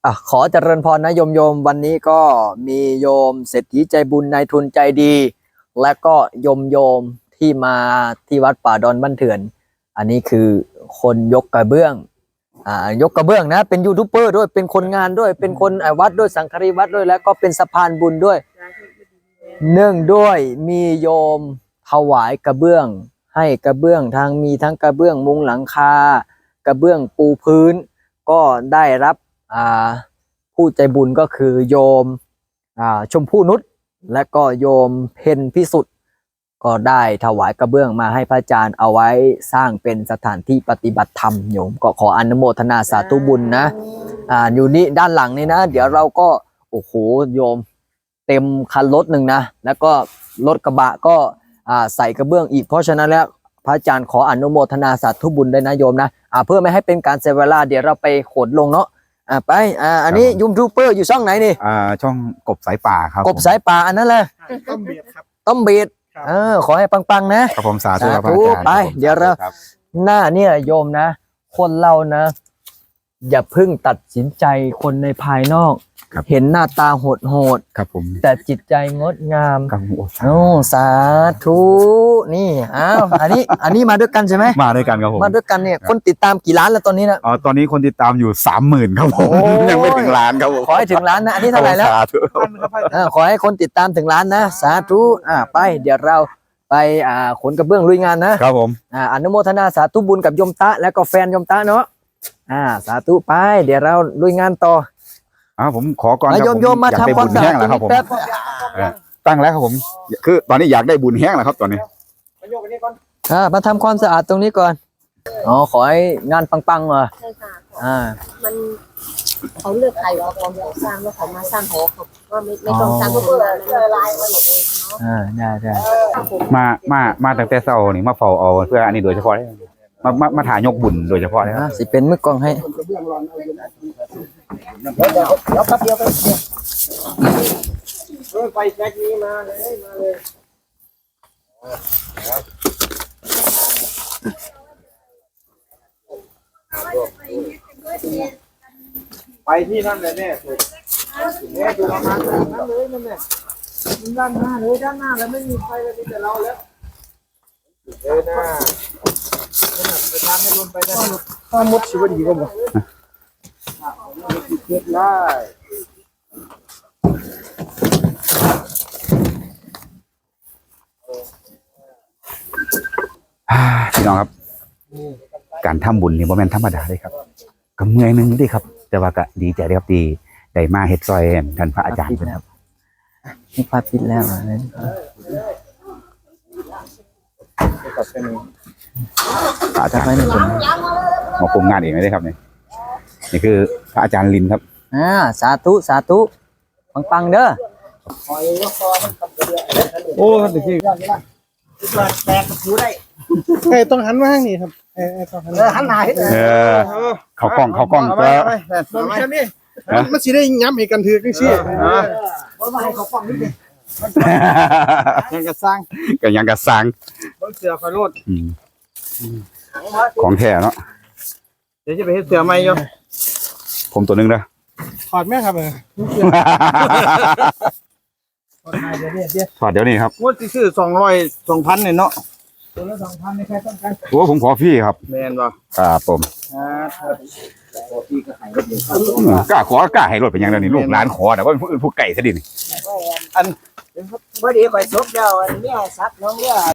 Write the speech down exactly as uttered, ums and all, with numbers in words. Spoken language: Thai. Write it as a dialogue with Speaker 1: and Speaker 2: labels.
Speaker 1: อ่ะขอเจริญพรนะโยมโยมวันนี้ก็มีโยมเศรษฐีใจบุญนายทุนใจดี และก็โยมโยมที่มาที่วัดป่าดอนบ้านเถื่อนอันนี้คือคนยกกระเบื้องอ่ายกกระเบื้องนะเป็นยูทูบเบอร์ด้วยเป็นคนงานด้วยเป็นคนวัดด้วยสังฆรีวัดด้วยแล้วก็เป็นสะพานบุญด้วยเนื่องด้วยมีโยมถวายกระเบื้องให้กระเบื้องทางมีทั้งกระเบื้องมุงหลังคากระเบื้องปูพื้นก็ได้รับผู้ใจบุญก็คือโยมชมพู่นุชและก็โยมเพนพิสุทธิ์ก็ได้ถวายกระเบื้องมาให้พระอาจารย์เอาไว้สร้างเป็นสถานที่ปฏิบัติธรรมโยมก็ขออนุโมทนาสาธุบุญนะอ่าอยู่นี่ด้านหลังนี่นะเดี๋ยวเราก็โอ้โหโยมเต็มคันรถหนึ่งนะแล้วก็รถกระบะก็อ่าใส่กระเบื้องอีกเพราะฉะนั้นแล้วพระอาจารย์ขออนุโมทนาสาธุบุญด้วยนะโยมนะอ่าเพื่อไม่ให้เป็นการเสียเวลาเดี๋ยวเราไปขนลงเนาะอ่าไปอ่าอันนี้ยูทูบเบอร์อยู่ช่องไหนนี่
Speaker 2: อ่าช่องกบสายป่าครับ
Speaker 1: กบสายป่าอันนั้นแหละ
Speaker 3: ต้มเบียดครับ
Speaker 1: ต้มเบียดเออขอให้ปังๆนะครับ
Speaker 2: ผมสาธุครับ
Speaker 1: ไปเดี๋ยวเราหน้าเนี่ยโยมนะคนเรานะอย่าเพิ่งตัดสินใจคนในภายนอกเห็นหน้าตาโหดโหด
Speaker 2: ครับผม
Speaker 1: แต่จิตใจงดงามโอ้สาธุนี่อ้าวอันนี้อันนี้มาด้วยกันใช่ไหม
Speaker 2: มาด้วยกันครับผม
Speaker 1: มาด้วยกันเนี่ยคนติดตามกี่ล้านแล้วตอนนี้นะ
Speaker 2: อ๋อตอนนี้คนติดตามอยู่สามหมื่นครับผมยังไม่ถึงล้านครับผม
Speaker 1: ขอให้ถึงล้านนะอันนี้เท่าไหร่แล้วขอให้คนติดตามถึงล้านนะสาธุอ่าไปเดี๋ยวเราไปอ่าขนกระเบื้องลุยงานนะครับ
Speaker 2: ผม
Speaker 1: อ่าอนุโมทนาสาธุบุญกับโยมตะแล้วก็แฟนโยมตะเนาะอ่าสาธุไปเดี๋ยวเราลุยงานต่อ
Speaker 2: อ่าผมขอก่อน
Speaker 1: โยมโยมมาทำความสะอาด
Speaker 2: แล้วครับผมตั้งแล้วครับผมคือตอนนี้อยากได้บุญแห้งแล้วครับตอนนี้
Speaker 1: อ่ามาทำความสะอาดตรงนี้ก่อนอ๋อขอให้งานปังๆเหรอ
Speaker 4: ใช่ค่ะ
Speaker 1: อ่า
Speaker 4: มันเขาเลือกใครว่าเขาอยากสร้างแล้วเขามาสร้างหอเขาว่าไม่ไม่ต้องสร้างเพื่ออะไรลายมันหมดเลยเนาะ
Speaker 1: อ่าได้ได้
Speaker 2: มามามาตั้งแต่เช้านี่มาเฝ้าเอาเพื่ออันนี้โดยเฉพาะมามามาถ่ายยกบุญโดยเฉพาะเลยครับ
Speaker 1: สิเป็นมือกองให้
Speaker 3: แล้วแป๊บเดียวแป๊บเดียวเออไปแจ็คนี้มาเลยมาเลยไปที่นั่นเลยแม่ถูกแม่ถูกประมาณนั้นเลยนั่นแหละด้านหน้าเลยด้านหน้าแล้วไม่มีใครเลยมีแต่เราแล้วเดินหน้าไปทำให้ลงไปได้ถ้ามดชีวิตดีก็บอกเก็บได้
Speaker 2: พี่น้องครับการทำบุญนี่บ่แม่นธรรมดาเลยครับก็เมื่อยนึงดิครับแต่ว่าก็ดีใจได้ครับดีได้มาเฮ็ดซอยท่านพระอาจารย์ครับ
Speaker 1: นี่พาพิษแล้วนะ
Speaker 2: อาจารย์ไม่ได้ผมมาคุมงานเองเลยครับนี่นี่คือพระอาจารย์ลินครับ
Speaker 1: อ่าสาธุสาธุปังๆเด้อ
Speaker 3: โอ้เดี๋ยวที่แตกกระพูได้เฮ้ยต้องหันมาทางนี้ครับเออต้องหันหันหน้า
Speaker 2: เออเขากล้องเขากล้องก็
Speaker 3: มองแค่นี้มันสิได้ย้ำให้กันถือจังซี่ว่ามาให้เขาฟังนิดนึงยังกระซัง
Speaker 2: ก็ยังกระซัง
Speaker 3: บ่เสือคอยโลด
Speaker 2: ของแท้เนาะ
Speaker 3: เดี๋ยวจะไปเฮ็ดเสือใหม่อยู่
Speaker 2: ผมตัวนึงเด้อ
Speaker 3: ถอดแม่ครับเออ
Speaker 2: ถอดเดี๋ยวนี้ครับ
Speaker 3: งวดที่ซื้อสองร้อย สองพันเนี่ยเนาะตัวละสองพันในใครต้องการ
Speaker 2: โอ้ผมขอฟรีครับ
Speaker 3: แม่นบ่
Speaker 2: ครับผมกล้าขอกล้าให้รถเป็นยังไงนี่ลูกหลานขอแต่ว่าเป็นผู้อื่นผู้ไก่ซะดิ
Speaker 3: อันพอดีข่อยซบแล้วอันนี้ซักน้องเนี่ย